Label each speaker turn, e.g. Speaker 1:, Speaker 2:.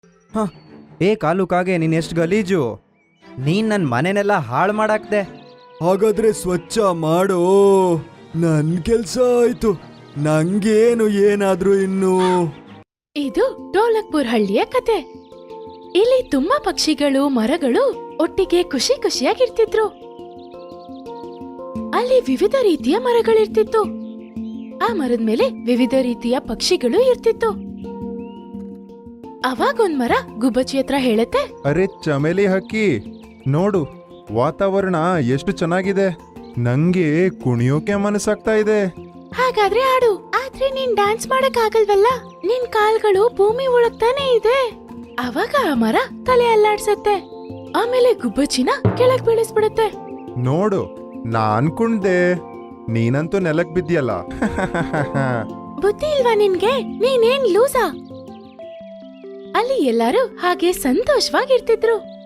Speaker 1: ಹ ಏ ಕಾಲು ಕಾಗೆ ನೀನ್ ಎಷ್ಟು ಗಲೀಜು, ನೀನ್ ನನ್ನ ಮನೆನೆಲ್ಲ ಹಾಳು ಮಾಡಾಕ್ದೆ.
Speaker 2: ಹಾಗಾದ್ರೆ ಸ್ವಚ್ಛ ಮಾಡೋ. ನನ್ ಕೆಲ್ಸ ಆಯ್ತು, ನಂಗೇನು ಏನಾದ್ರೂ ಇನ್ನು.
Speaker 3: ಇದು ಢೋಲಕ್ಪುರ್ ಹಳ್ಳಿಯ ಕತೆ. ಇಲ್ಲಿ ತುಂಬಾ ಪಕ್ಷಿಗಳು ಮರಗಳು ಒಟ್ಟಿಗೆ ಖುಷಿ ಖುಷಿಯಾಗಿರ್ತಿದ್ರು. ಅಲ್ಲಿ ವಿವಿಧ ರೀತಿಯ ಮರಗಳಿರ್ತಿತ್ತು. ಆ ಮರದ ಮೇಲೆ ವಿವಿಧ ರೀತಿಯ ಪಕ್ಷಿಗಳು ಇರ್ತಿತ್ತು. ಅವಾಗೊಂದ್ ಮರ ಗುಬ್ಬಚ್ಚಿ ಹತ್ರ ಹೇಳುತ್ತೆ,
Speaker 4: ಅರೆ ಚಮೇಲಿ ಹಕ್ಕಿ, ನೋಡು ವಾತಾವರಣ ಎಷ್ಟು ಚೆನ್ನಾಗಿದೆ, ನಂಗೆ ಕುಣಿಯೋಕೆ ಮನಸ್ಸಾಗ್ತಾ ಇದೆ.
Speaker 3: ಹಾಗಾದ್ರೆ ಆಡು, ಆದ್ರೆ ನೀನ್ ಡ್ಯಾನ್ಸ್ ಮಾಡಕ್ ಆಗಲ್ವಲ್ಲ, ನಿನ್ ಕಾಲ್ಗಳು ಭೂಮಿ ಒಳಗ್ತಾನೆ ಇದೆ. ಅವಾಗ ಆ ಮರ ತಲೆ ಅಲ್ಲಾಡ್ಸತ್ತೆ, ಆಮೇಲೆ ಗುಬ್ಬಚ್ಚಿನ ಕೆಳಗ್ ಬೀಳಿಸ್ಬಿಡುತ್ತೆ.
Speaker 4: ನೋಡು ನಾನ್ ಕುಣ್ದೆ, ನೀನಂತೂ ನೆಲಕ್ ಬಿದ್ಯಲ್ಲ.
Speaker 3: ಬುದ್ಧಿ ಇಲ್ವಾ ನಿನ್ಗೆ, ನೀನೇನ್ ಲೂಸಾ? ಅಲ್ಲಿ ಎಲ್ಲರೂ ಹಾಗೆ ಸಂತೋಷವಾಗಿರ್ತಿದ್ರು.